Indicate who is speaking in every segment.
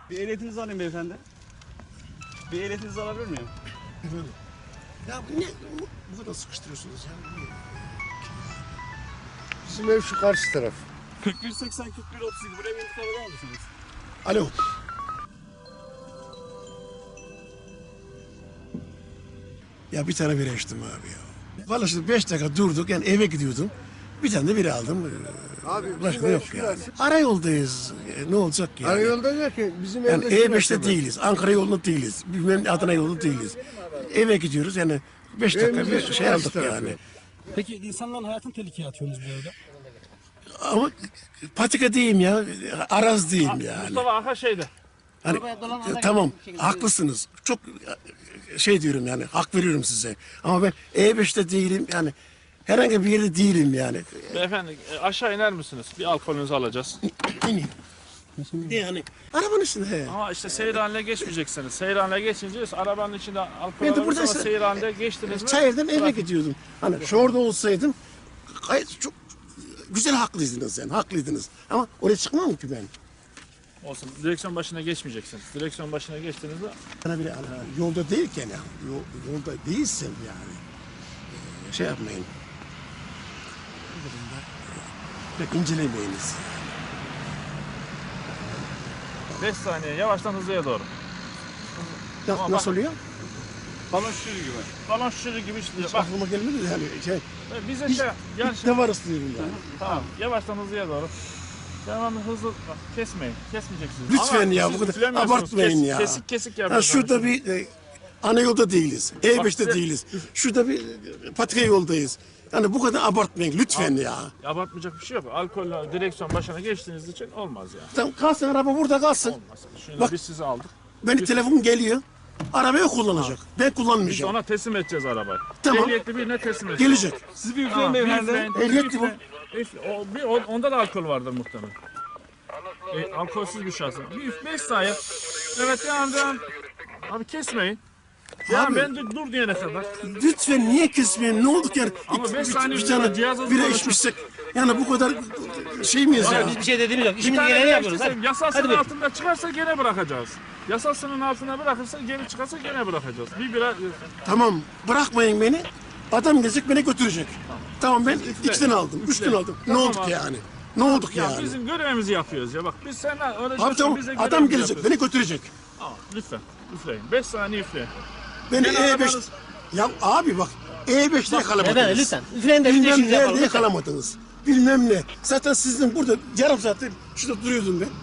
Speaker 1: Bir ehliyetinizi alayım beyefendi. Bir ehliyetinizi alabilir miyim?
Speaker 2: Efendim? Ya bu kadar sıkıştırıyorsunuz ya.
Speaker 3: Bizim ev şu karşı taraf.
Speaker 1: 4180 4137 buraya bir intikam eder misiniz?
Speaker 2: Alo. Ya bir tane bira içtim abi ya. Vallahi şimdi 5 dakika durduk yani eve gidiyordum. Bir tane de bira aldım.
Speaker 3: Abi bizim
Speaker 2: Başka
Speaker 3: ev
Speaker 2: yok
Speaker 3: şu
Speaker 2: yani.
Speaker 3: karşı.
Speaker 2: Arayoldayız. Ne olacak yani?
Speaker 3: Arayolda derken bizim
Speaker 2: Yani
Speaker 3: evde
Speaker 2: E5'te değiliz. Ankara yolunda değiliz. Bilmem Adana yolunda değiliz. Eve gidiyoruz yani 5 dakika
Speaker 3: Evimizde
Speaker 2: bir
Speaker 3: şu
Speaker 2: şey
Speaker 3: karşı
Speaker 2: aldık
Speaker 3: tarafı.
Speaker 2: yani.
Speaker 4: Peki insanların hayatını tehlikeye atıyorsunuz bu evde.
Speaker 2: Ama patika diyeyim ya. Araz diyeyim yani.
Speaker 5: Mustafa Aka şeyde.
Speaker 2: Hani, tamam haklısınız. Çok şey diyorum yani hak veriyorum size. Ama ben E5'te değilim yani herhangi bir yerde değilim yani.
Speaker 5: Beyefendi aşağı iner misiniz? Bir alkolünüzü alacağız.
Speaker 2: İneyim. Yani arabanın içinde.
Speaker 5: Ama işte seyir haline geçmeyeceksiniz. Seyir haline geçince arabanın içinde alkol
Speaker 2: Ben de
Speaker 5: alırsanız
Speaker 2: buradaysa-
Speaker 5: seyir haline geçtiniz mi?
Speaker 2: Çayır'dan eve gidiyordum. Hani şu orada olsaydım gayet çok güzel haklıydınız yani haklıydınız. Ama oraya çıkmam ki ben.
Speaker 5: Olsun. Direksiyon başına geçmeyeceksiniz. Direksiyon başına geçtiniz mi?
Speaker 2: Sana bile yolda değilken ya, yolda değilsem yani şey yapmayın. Bu durumda pek incelemeyiniz.
Speaker 5: 5 saniye yavaştan hızlıya doğru. Ama
Speaker 2: Nasıl
Speaker 5: bak-
Speaker 2: oluyor?
Speaker 1: Balon şişiri gibi.
Speaker 5: Balon şişiri gibi işliyor.
Speaker 2: Hiç
Speaker 5: Bak
Speaker 2: aklıma gelmedi de yani şey.
Speaker 5: bize şey yani
Speaker 2: İlk defa rastlıyorum yani.
Speaker 5: tamam yavaştan hızlıya doğru. Devamlı hızlı bak, kesmeyin. Kesmeyeceksiniz.
Speaker 2: Lütfen
Speaker 5: Ama
Speaker 2: ya
Speaker 5: siz
Speaker 2: bu kadar
Speaker 5: üflemiyorsunuz.
Speaker 2: abartmayın ya.
Speaker 5: Kesik kesik
Speaker 2: Ha,
Speaker 5: yapıyorsunuz.
Speaker 2: şurada bir ana yolda değiliz. E5'te
Speaker 5: size-
Speaker 2: değiliz. Şurada bir patika yoldayız. Yani bu kadar abartmayın lütfen ya.
Speaker 5: Abartmayacak bir şey yok. Alkolle direksiyon başına geçtiğiniz için olmaz ya.
Speaker 2: Tamam kalsın araba burada kalsın.
Speaker 5: Olmaz. Şimdi
Speaker 2: Bak-
Speaker 5: biz sizi aldık.
Speaker 2: Benim telefon geliyor. Arabayı kullanacak. Ben
Speaker 5: Biz
Speaker 2: kullanmayacağım.
Speaker 5: ona teslim edeceğiz arabayı.
Speaker 2: Tamam.
Speaker 5: Ehliyetli birine teslim edeceğiz.
Speaker 2: Gelecek.
Speaker 1: Siz bir üfleyin beyefendi.
Speaker 2: Ehliyetli bu.
Speaker 5: Onda da alkol vardır muhtemelen. Alkolsüz bir şahıs. Bir 5 saniye. Evet devam. Abi kesmeyin. Ya
Speaker 2: Abi-
Speaker 5: ben dur diyene kadar.
Speaker 2: Lütfen niye kesmeyin? Ne olduk yani?
Speaker 5: Ama beş saniye
Speaker 2: bir tane
Speaker 5: cihazınızı
Speaker 2: bira
Speaker 5: konuşun.
Speaker 2: içmişsek. Yani bu kadar şey miyiz ya?
Speaker 4: Biz bir şey dediğimiz yok.
Speaker 5: Bir
Speaker 4: İşimizi
Speaker 5: tane
Speaker 4: geleni
Speaker 5: bile
Speaker 4: yapıyoruz.
Speaker 5: istesem,
Speaker 4: Hadi.
Speaker 5: yasal
Speaker 4: Hadi
Speaker 5: sınır
Speaker 4: buyur.
Speaker 5: altında çıkarsa gene bırakacağız. Yasal sınırın altına bırakırsa geri çıkarsa gene bırakacağız. Bir bira
Speaker 2: Tamam bırakmayın beni. Adam gelecek beni götürecek. Tamam ben 2'den aldım, 3'ten aldım. Ne
Speaker 5: Tamam
Speaker 2: olduk
Speaker 5: abi.
Speaker 2: yani? Ne olduk
Speaker 5: ya
Speaker 2: yani?
Speaker 5: bizim görevimizi yapıyoruz ya. Bak biz senden öyle
Speaker 2: Abi
Speaker 5: şaşırın,
Speaker 2: tamam
Speaker 5: biz de
Speaker 2: adam
Speaker 5: görevimizi
Speaker 2: gelecek
Speaker 5: yapıyoruz.
Speaker 2: beni götürecek.
Speaker 5: Tamam lütfen üfleyin. 5 saniye üfleyin.
Speaker 2: Beni
Speaker 5: Gene
Speaker 2: E5...
Speaker 5: arabanız-
Speaker 2: Ya abi bak E5'te yakalamadınız.
Speaker 4: Efendim lütfen. Üfleyin de biz de
Speaker 2: Bilmem
Speaker 4: işimizi yapalım.
Speaker 2: nerede
Speaker 4: Lütfen.
Speaker 2: yakalamadınız. Bilmem ne. Zaten sizin burada yarım saattir şurada duruyordum ben.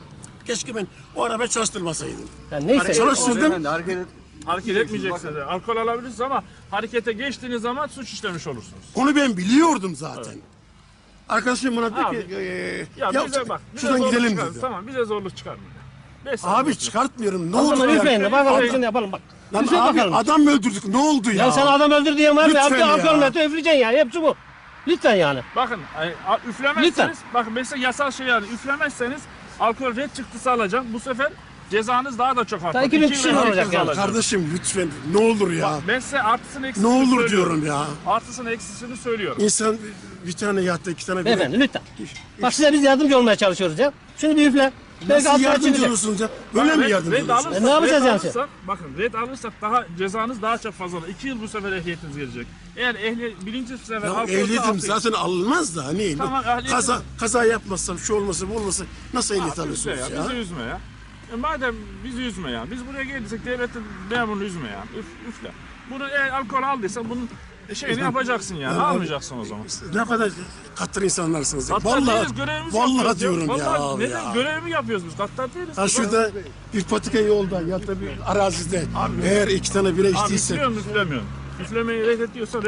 Speaker 2: Keşke ben o arabayı çalıştırmasaydım.
Speaker 4: Yani neyse.
Speaker 2: Çalıştırdım.
Speaker 1: Beyefendi hareket
Speaker 5: Hareket etmeyeceksiniz. Alkol alabilirsiniz ama harekete geçtiğiniz zaman suç işlemiş olursunuz.
Speaker 2: Onu ben biliyordum zaten. Arkadaşım bana dedi
Speaker 5: Abi,
Speaker 2: ki
Speaker 5: Ya bize bak. Bize
Speaker 2: şuradan
Speaker 5: zorluk
Speaker 2: gidelim
Speaker 5: çıkar.
Speaker 2: dedi.
Speaker 5: Tamam bize zorluk çıkarmayın. 5 saniye.
Speaker 2: Abi çıkartmıyorum. Ne
Speaker 4: O
Speaker 2: oldu
Speaker 4: zaman
Speaker 2: ya?
Speaker 4: üfleyin de bakalım
Speaker 5: Abi-
Speaker 4: işini yapalım bak.
Speaker 2: Lan
Speaker 4: Üfle
Speaker 2: abi
Speaker 4: bakalım.
Speaker 2: adam mı öldürdük? Ne oldu ya?
Speaker 4: Ya sen adam öldür diyen var mı?
Speaker 2: Lütfen
Speaker 4: Yaptı
Speaker 2: ya.
Speaker 4: alkol metre üfleyeceksin yani. Hepsi bu. Lütfen yani.
Speaker 5: Bakın üflemezseniz, bakın mesela yasal şey yani üflemezseniz alkol red çıktısı alacağım. Bu sefer cezanız daha da çok artar.
Speaker 4: Daha 2 gün
Speaker 5: 2
Speaker 4: kişi
Speaker 5: yıl
Speaker 4: olacak
Speaker 5: hapis
Speaker 4: yani.
Speaker 5: alacağım.
Speaker 2: Kardeşim lütfen ne olur ya.
Speaker 5: Ben size artısını
Speaker 2: Ne
Speaker 5: eksisini
Speaker 2: olur
Speaker 5: söylüyorum.
Speaker 2: diyorum ya.
Speaker 5: Artısını eksisini söylüyorum.
Speaker 2: İnsan bir tane yattı, 2 tane
Speaker 4: Beyefendi lütfen. Bak size biz yardımcı olmaya çalışıyoruz ya. Şunu bir üfle. Belki
Speaker 2: Nasıl
Speaker 4: altına
Speaker 2: yardımcı
Speaker 4: çıkacak.
Speaker 2: olursunuz ya? Böyle mi yardımcı olursunuz?
Speaker 4: Ne yapacağız yani?
Speaker 5: Bakın red alırsak daha cezanız daha çok fazla olur. 2 yıl bu sefer ehliyetiniz gelecek. Eğer birinci sefer
Speaker 2: Ya
Speaker 5: alkolse
Speaker 2: ehliyetim
Speaker 5: 6 yıl.
Speaker 2: zaten alınmaz da hani
Speaker 5: Tamam, ehliyetim-
Speaker 2: kaza yapmazsam şu olmasa bu olmasa nasıl ehliyet
Speaker 5: Abi üzme
Speaker 2: alıyorsunuz
Speaker 5: ya,
Speaker 2: ya?
Speaker 5: bizi üzme ya. Madem bizi üzme ya. Biz buraya geldiysek devletin memurunu üzme ya. Üfle. Bunu eğer alkol aldıysan bunun şeyini yapacaksın yani. Almayacaksın o zaman.
Speaker 2: Ne kadar katır insanlarsınız. ya.
Speaker 5: Gaddar
Speaker 2: Vallahi
Speaker 5: değiliz, görevimizi
Speaker 2: vallahi
Speaker 5: yapıyoruz
Speaker 2: diyorum ya.
Speaker 5: Vallahi
Speaker 2: abi
Speaker 5: neden
Speaker 2: ya.
Speaker 5: görevimi yapıyoruz biz? Gaddar değiliz.
Speaker 2: Ha şurada bir patika yolda ya da bir arazide eğer 2 tane bira
Speaker 5: Abi
Speaker 2: içtiyse
Speaker 5: üflüyor musun üflemiyorsun? Üflemeyi reddediyorsan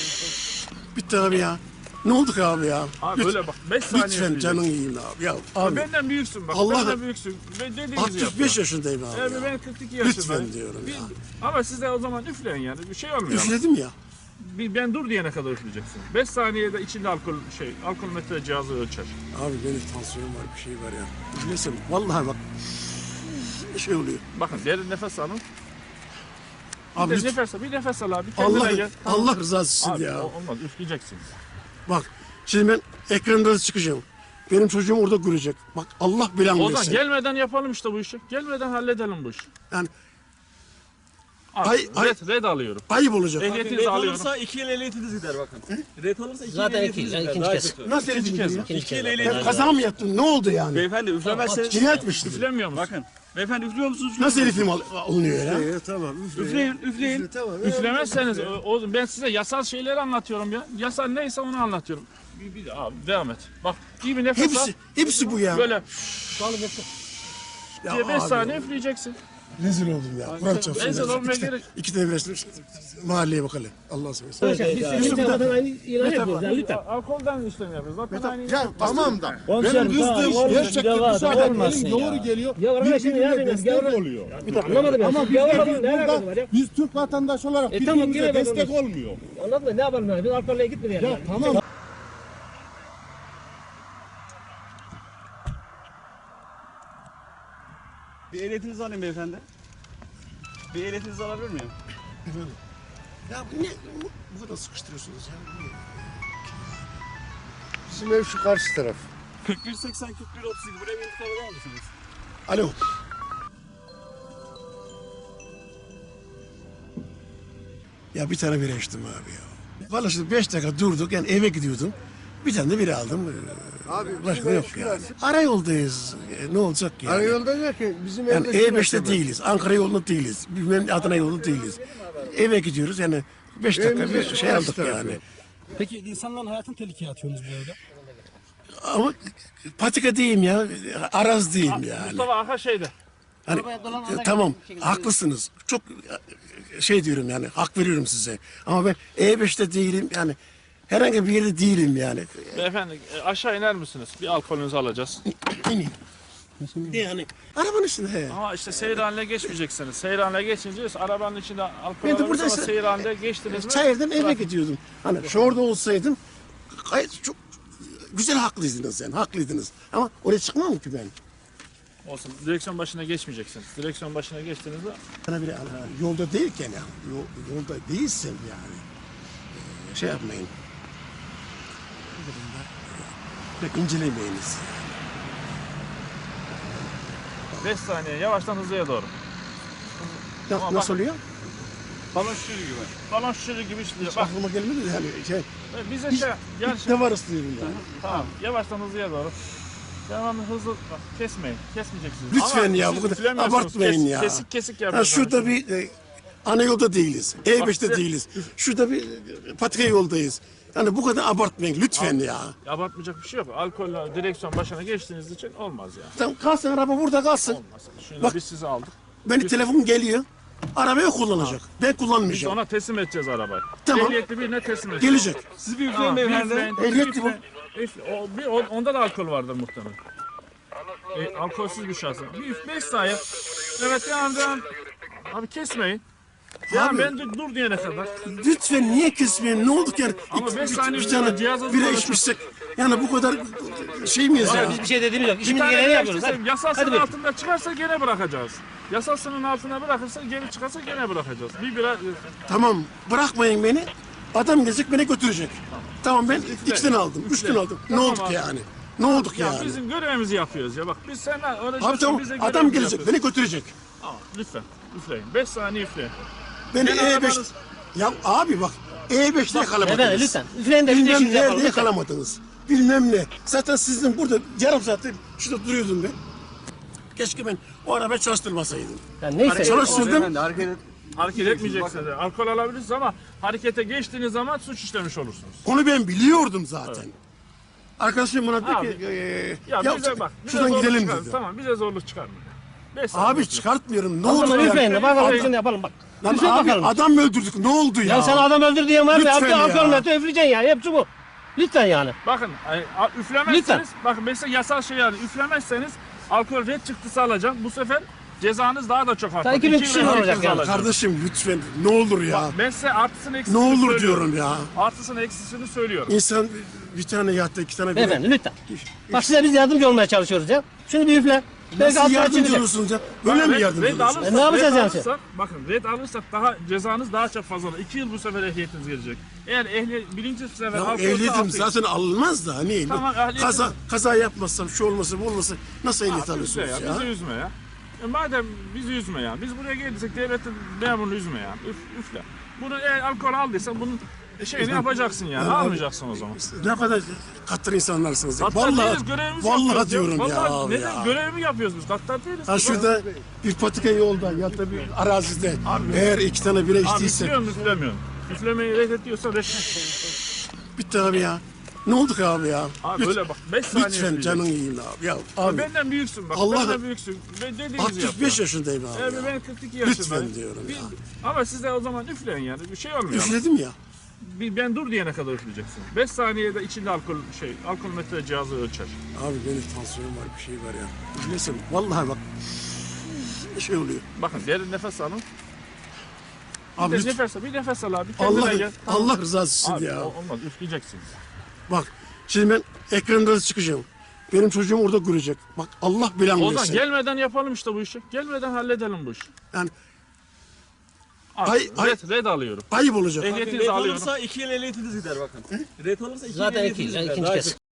Speaker 2: bitti abi ya. Ne olduk abi ya?
Speaker 5: Abi öyle bak 5 saniye
Speaker 2: Lütfen
Speaker 5: üfleyeceksin.
Speaker 2: canın yiyeyim abi. Ya abi
Speaker 5: Benden büyüksün bak.
Speaker 2: Allah-
Speaker 5: Benden büyüksün. Ben dediğinizi
Speaker 2: 65
Speaker 5: yap.
Speaker 2: yaşındayım abi
Speaker 5: Evet
Speaker 2: ya.
Speaker 5: ben 42 yaşındayım.
Speaker 2: Lütfen diyorum ya.
Speaker 5: Ama siz de o zaman üfleyin yani. Bir şey olmuyor.
Speaker 2: Üfledim ya.
Speaker 5: Ben dur diyene kadar üfleyeceksin. 5 saniyede içinde alkol metre cihazı ölçer.
Speaker 2: Abi benim tansiyonum var bir şey var ya. Üflesem vallahi bak bir şey oluyor.
Speaker 5: Bakın derin nefes alın.
Speaker 2: Abi
Speaker 5: Bir
Speaker 2: lütfen.
Speaker 5: nefes al abi. Kendine
Speaker 2: Allah
Speaker 5: gel.
Speaker 2: Allah rızası için
Speaker 5: Abi
Speaker 2: ya.
Speaker 5: olmaz üfleyeceksiniz.
Speaker 2: Bak şimdi ben ekranlara çıkacağım. Benim çocuğum orada görecek. Bak Allah bilen
Speaker 5: O zaman
Speaker 2: versin.
Speaker 5: gelmeden yapalım işte bu işi. Gelmeden halledelim bu işi.
Speaker 2: Yani
Speaker 5: Al,
Speaker 2: Ay- ay-
Speaker 5: red alıyorum.
Speaker 2: ayıp olacak.
Speaker 5: Ehliyetinizi
Speaker 1: Red
Speaker 5: alıyorum.
Speaker 1: olursa 2 yıl ehliyetiniz gider bakın. Red olursa 2 yıl
Speaker 4: Zaten
Speaker 1: ehliyetiniz
Speaker 4: iki-
Speaker 1: gider.
Speaker 4: ikinci
Speaker 1: Daha
Speaker 4: kez.
Speaker 1: kötü.
Speaker 2: Nasıl
Speaker 5: İkinci kez mi?
Speaker 4: İkinci
Speaker 1: 2
Speaker 4: kez.
Speaker 1: yıl
Speaker 2: Ben
Speaker 1: ehliyetiniz
Speaker 2: kaza mı yaptın? Ne oldu yani?
Speaker 1: Beyefendi üflemezseniz...
Speaker 2: Cinayet mi işledin?
Speaker 5: Üflemiyor musun?
Speaker 1: Bakın. Beyefendi üflüyor musunuz?
Speaker 2: Nasıl elifim alınıyor ya?
Speaker 3: Tamam.
Speaker 1: Üfleyin, üfleyin.
Speaker 3: Tamam.
Speaker 5: Üflemezseniz ben size yasal şeyleri anlatıyorum ya. Yasal neyse onu anlatıyorum. Bir abi devam et. Bak iyi bir nefes al.
Speaker 2: Hepsi bu ya.
Speaker 5: Böyle
Speaker 2: Ya
Speaker 5: diye 5
Speaker 2: abi
Speaker 5: saniye
Speaker 2: ya.
Speaker 5: üfleyeceksin.
Speaker 2: Rezil oldum ya. Kur'an çarpsın.
Speaker 5: Rezil
Speaker 2: ya.
Speaker 5: olmaya gerek-
Speaker 2: İki devresini mahalleye bakalım. Allah seversen.
Speaker 4: Biz senin kadar aynı ilan yapıyoruz yani lütfen.
Speaker 5: Alkolden işlem yapıyoruz. Zaten aynı
Speaker 3: Ya tamam da.
Speaker 6: Benim kızdığım gerçekten müsaade
Speaker 3: olmasın
Speaker 6: elin
Speaker 3: ya.
Speaker 6: doğru geliyor.
Speaker 4: Ya arkadaş şimdi
Speaker 6: Birbirine
Speaker 4: yani
Speaker 6: destek
Speaker 4: yavrum-
Speaker 6: oluyor.
Speaker 4: Anlamadım ya.
Speaker 6: Ama
Speaker 4: Siz
Speaker 6: biz
Speaker 4: yavruladın,
Speaker 6: de
Speaker 4: ne alakası var
Speaker 6: burada
Speaker 4: ya?
Speaker 6: biz Türk vatandaş olarak
Speaker 4: E tamam,
Speaker 6: birbirimize
Speaker 4: yine
Speaker 6: destek
Speaker 4: vatandaş.
Speaker 6: olmuyor.
Speaker 4: Anladın mı? Ne yapalım yani? Biz alkolle gitmeyelim.
Speaker 6: Ya
Speaker 4: yani.
Speaker 6: tamam.
Speaker 1: Bir ehliyetinizi alayım beyefendi. Bir ehliyetinizi alabilir miyim?
Speaker 2: Ya ne bu kadar sıkıştırıyorsunuz ya? Niye?
Speaker 3: Bizim ev şu karşı taraf.
Speaker 1: 4180 4132 buraya bir intikam eder misiniz?
Speaker 2: Alo. Ya bir tane bira içtim abi ya. Vallahi şimdi 5 dakika durduk yani eve gidiyordum. Bir tane de bira aldım.
Speaker 3: Abi
Speaker 2: Başka
Speaker 3: bizim ev
Speaker 2: yok
Speaker 3: şu
Speaker 2: yani.
Speaker 3: karşı.
Speaker 2: Arayyoldayız. Ne olacak yani?
Speaker 3: Arayolda derken bizim
Speaker 2: Yani
Speaker 3: evde
Speaker 2: E5'te
Speaker 3: şurası var.
Speaker 2: değiliz. Ankara yolunda değiliz. Bilmem Adana yolunda değiliz. Eve gidiyoruz yani 5 dakika
Speaker 3: Evimizin
Speaker 2: bir
Speaker 3: şu
Speaker 2: şey
Speaker 3: karşı
Speaker 2: aldık
Speaker 3: tarafı.
Speaker 2: yani.
Speaker 7: Peki insanların hayatını tehlikeye atıyorsunuz bu evde.
Speaker 2: Ama patika diyeyim ya. Araz diyeyim yani.
Speaker 5: Mustafa Arka şeyde.
Speaker 2: Hani, tamam haklısınız. Çok şey diyorum yani hak veriyorum size. Ama ben E5'te değilim yani herhangi bir yerde değilim yani.
Speaker 5: Beyefendi aşağı iner misiniz? Bir alkolünüzü alacağız.
Speaker 2: İneyim. Yani arabanın içinde he.
Speaker 5: Ama işte seyir haline geçmeyeceksiniz. Seyir haline geçince arabanın içinde alkol
Speaker 2: Ben de
Speaker 5: alırsanız
Speaker 2: burada
Speaker 5: seyir haline geçtiniz mi?
Speaker 2: Çayır'dan eve gidiyordum. Hani şu orada olsaydım gayet çok güzel haklıydınız yani haklıydınız. Ama oraya çıkmam ki ben.
Speaker 5: Olsun. Direksiyon başına geçmeyeceksiniz. Direksiyon başına geçtiniz mi?
Speaker 2: Bana bir yolda değilken ya, yolda değilsem yani şey yapmayın. Bu durumda pek incelemeyiniz.
Speaker 5: 5 saniye yavaştan hızlıya doğru. Ama
Speaker 2: Nasıl
Speaker 5: bak-
Speaker 2: oluyor?
Speaker 1: Balon şişiri gibi.
Speaker 5: Balon şişiri gibi işliyor.
Speaker 2: Hiç
Speaker 5: Bak
Speaker 2: aklıma gelmedi de yani şey.
Speaker 5: bize şey gel
Speaker 2: İlk
Speaker 5: şimdi.
Speaker 2: defa rastlıyorum yani.
Speaker 5: Tamam. Yavaştan hızlıya doğru. Devamlı hızlı bak kesmeyin. Kesmeyeceksiniz.
Speaker 2: Lütfen
Speaker 5: Ama
Speaker 2: ya,
Speaker 5: siz
Speaker 2: bu kadar
Speaker 5: üflemiyorsunuz.
Speaker 2: abartmayın ya.
Speaker 5: Kesik kesik
Speaker 2: Ha,
Speaker 5: yapıyorsunuz.
Speaker 2: şurada bir ana yolda değiliz. E5'te
Speaker 5: size-
Speaker 2: değiliz. Şurada bir patika yoldayız. Yani bu kadar abartmayın lütfen ya.
Speaker 5: Abartmayacak bir şey yok. Alkolle direksiyon başına geçtiğiniz için olmaz ya.
Speaker 2: Tamam kalsın araba burada kalsın.
Speaker 5: Olmaz. Şimdi
Speaker 2: Bak-
Speaker 5: biz sizi aldık.
Speaker 2: Benim telefon geliyor. Arabayı kullanacak. Ben
Speaker 5: Biz
Speaker 2: kullanmayacağım.
Speaker 5: ona teslim edeceğiz arabayı.
Speaker 2: Tamam.
Speaker 5: Ehliyetli birine teslim edeceğiz.
Speaker 2: Gelecek.
Speaker 1: Siz bir üfleyin
Speaker 5: Tamam,
Speaker 1: beyefendi.
Speaker 2: Ehliyetli bu.
Speaker 5: Onda da alkol vardır muhtemelen. Alkolsüz bir şahsın. Bir 5 saniye. Evet devam. Abi kesmeyin. Ya
Speaker 2: Abi-
Speaker 5: ben dur diyene kadar.
Speaker 2: Lütfen niye kesmeyin? Ne olduk yani?
Speaker 5: Ama beş saniye
Speaker 2: bir tane
Speaker 5: cihazınızı
Speaker 2: bira
Speaker 5: konuşun.
Speaker 2: içmişsek yani bu kadar şey miyiz ya?
Speaker 4: Biz bir şey dediğimiz yok.
Speaker 5: Bir
Speaker 4: İşimizi
Speaker 5: tane
Speaker 4: geleni
Speaker 5: bira
Speaker 4: yapıyoruz.
Speaker 5: içtiysem
Speaker 4: Hadi.
Speaker 5: yasal
Speaker 4: Hadi
Speaker 5: sınır
Speaker 4: buyur.
Speaker 5: altında çıkarsa gene bırakacağız. Yasal sınırın altına bırakırsa geri çıkarsa gene bırakacağız. Bir bira
Speaker 2: Tamam bırakmayın beni. Adam gelecek beni götürecek. Tamam ben 2'den aldım, 3'ten aldım. Ne
Speaker 5: Tamam
Speaker 2: olduk
Speaker 5: abi.
Speaker 2: yani? Ne olduk
Speaker 5: ya
Speaker 2: yani?
Speaker 5: bizim görevimizi yapıyoruz ya bak biz senden öyle
Speaker 2: Abi
Speaker 5: diyorsun,
Speaker 2: tamam
Speaker 5: bize
Speaker 2: adam
Speaker 5: görevimizi
Speaker 2: gelecek
Speaker 5: yapıyoruz.
Speaker 2: beni götürecek.
Speaker 5: Tamam lütfen üfleyin. 5 saniye üfleyin.
Speaker 2: Beni
Speaker 5: Gene
Speaker 2: E5...
Speaker 5: arabanız-
Speaker 2: Ya abi bak E5'te yakalamadınız.
Speaker 4: Efendim lütfen. Üfleyin de biz de
Speaker 2: Bilmem
Speaker 4: işimizi yapalım.
Speaker 2: nerede
Speaker 4: lütfen.
Speaker 2: yakalamadınız. Bilmem ne. Zaten sizin burada yarım saattir şurada duruyordum ben. Keşke ben o arabayı çalıştırmasaydım.
Speaker 4: Yani neyse.
Speaker 2: Çalıştırdım.
Speaker 1: Beyefendi hareket et.
Speaker 5: Hareket etmeyeceksiniz. Alkol alabilirsiniz ama harekete geçtiğiniz zaman suç işlemiş olursunuz.
Speaker 2: Onu ben biliyordum zaten. Arkadaşım bana
Speaker 5: Abi,
Speaker 2: dedi ki
Speaker 5: Ya bize bak. Bize
Speaker 2: şuradan
Speaker 5: zorluk
Speaker 2: gidelim
Speaker 5: çıkarma.
Speaker 2: dedi.
Speaker 5: Tamam bize zorluk çıkarma. 5 saniye
Speaker 2: Abi
Speaker 5: üfle.
Speaker 2: çıkartmıyorum. Ne
Speaker 4: O
Speaker 2: oldu
Speaker 4: zaman
Speaker 2: ya?
Speaker 4: üfleyin de bakalım
Speaker 2: Abi,
Speaker 4: şimdi yapalım bak.
Speaker 2: Lan
Speaker 4: Üfleyin
Speaker 2: abi
Speaker 4: bakalım.
Speaker 2: adam mı öldürdük? Ne oldu ya?
Speaker 4: Ya sen adam öldür diyen var ya.
Speaker 2: Lütfen
Speaker 4: Abi
Speaker 2: ya.
Speaker 4: alkol metre üfleyeceksin yani. Hepsi bu. Lütfen yani.
Speaker 5: Bakın üflemezseniz, bakın mesela yasal şey yani üflemezseniz alkol red çıktısı alacağım. Bu sefer cezanız daha da çok artar.
Speaker 4: 2000
Speaker 5: 2
Speaker 4: kişi
Speaker 5: yıl
Speaker 4: olacak
Speaker 5: hapis
Speaker 4: yani.
Speaker 5: alacağım.
Speaker 2: Kardeşim lütfen ne olur ya.
Speaker 5: Bak, ben size artısını eksisini
Speaker 2: Ne olur
Speaker 5: söylüyorum.
Speaker 2: diyorum ya.
Speaker 5: Artısını eksisini söylüyorum.
Speaker 2: İnsan bir tane yattı iki tane
Speaker 4: Beyefendi lütfen. Bak size biz yardımcı olmaya çalışıyoruz ya. Şunu bir üfle. Belki
Speaker 2: Nasıl
Speaker 4: altına
Speaker 2: yardımcı
Speaker 4: çıkacak.
Speaker 2: olursunuz ya? Böyle mi yardımcı olursunuz?
Speaker 4: Ne yapacağız
Speaker 5: red
Speaker 4: yani?
Speaker 5: alırsak, bakın red alırsak daha cezanız daha çok fazla olur. 2 yıl bu sefer ehliyetiniz gelecek. Eğer birinci sefer
Speaker 2: Ya
Speaker 5: alkolse
Speaker 2: ehliyetim
Speaker 5: 6 yıl.
Speaker 2: zaten alınmaz da hani
Speaker 5: Tamam, ehliyetim-
Speaker 2: kaza yapmazsam şu olmasa bu olmasa nasıl ehliyet
Speaker 5: Üfle
Speaker 2: alıyorsunuz
Speaker 5: ya,
Speaker 2: ya?
Speaker 5: bizi üzme ya. Madem bizi üzme ya. Biz buraya geldiysek devletin memurunu üzme ya. Üfle. Bunu eğer alkol aldıysan bunun şeyini yapacaksın yani. Almayacaksın o zaman.
Speaker 2: Ne kadar katır insanlarsınız. Ya.
Speaker 5: Gaddar değiliz, görevimizi
Speaker 2: Vallahi
Speaker 5: yapıyoruz
Speaker 2: diyorum ya
Speaker 5: Vallahi
Speaker 2: abi
Speaker 5: neden?
Speaker 2: ya.
Speaker 5: Görevimi yapıyoruz biz. Gaddar değiliz.
Speaker 2: Ha şurada bir patika yolda ya da bir arazide eğer 2 tane bira
Speaker 5: Abi
Speaker 2: içtiyse
Speaker 5: üflüyor mu üflemiyorsun? Üflemeyi reddediyorsan
Speaker 2: bitti abi ya. Ne olduk abi ya?
Speaker 5: Abi böyle bak 5 saniye
Speaker 2: Lütfen
Speaker 5: üfleyeceksin.
Speaker 2: canın yiyeyim abi. Ya abi
Speaker 5: Benden büyüksün bak.
Speaker 2: Allah-
Speaker 5: Benden büyüksün. Ben dediğinizi
Speaker 2: 65
Speaker 5: yap.
Speaker 2: yaşındayım abi
Speaker 5: Evet
Speaker 2: ya.
Speaker 5: ben 42 yaşındayım.
Speaker 2: Lütfen diyorum ya.
Speaker 5: Ama siz de o zaman üfleyin yani. Bir şey olmuyor.
Speaker 2: Üfledim ya.
Speaker 5: Ben dur diyene kadar üfleyeceksin. 5 saniyede içinde alkol metre cihazı ölçer.
Speaker 2: Abi benim tansiyonum var bir şey var ya. Üflesin vallahi bak. Şey oluyor.
Speaker 5: Bakın derin nefes alın.
Speaker 2: Abi
Speaker 5: Bir
Speaker 2: lütfen.
Speaker 5: nefes al abi. Kendine
Speaker 2: Allah
Speaker 5: gel.
Speaker 2: Allah rızası için
Speaker 5: Abi,
Speaker 2: ya.
Speaker 5: olmaz üfleyeceksiniz.
Speaker 2: Bak şimdi ben ekranda çıkacağım. Benim çocuğum orada görecek. Bak Allah bilen
Speaker 5: O zaman
Speaker 2: bilsin.
Speaker 5: gelmeden yapalım işte bu işi. Gelmeden halledelim bu işi.
Speaker 2: Yani
Speaker 5: Abi,
Speaker 2: Ay-
Speaker 5: red alıyorum.
Speaker 2: ayıp olacak.
Speaker 5: Ehliyetinizi
Speaker 1: Red
Speaker 5: alıyorum.
Speaker 1: olursa 2 yıl ehliyetiniz gider bakın. Red olursa 2 yıl
Speaker 4: Zaten
Speaker 1: ehliyetiniz gider.
Speaker 4: ikinci
Speaker 1: Daha
Speaker 4: kez.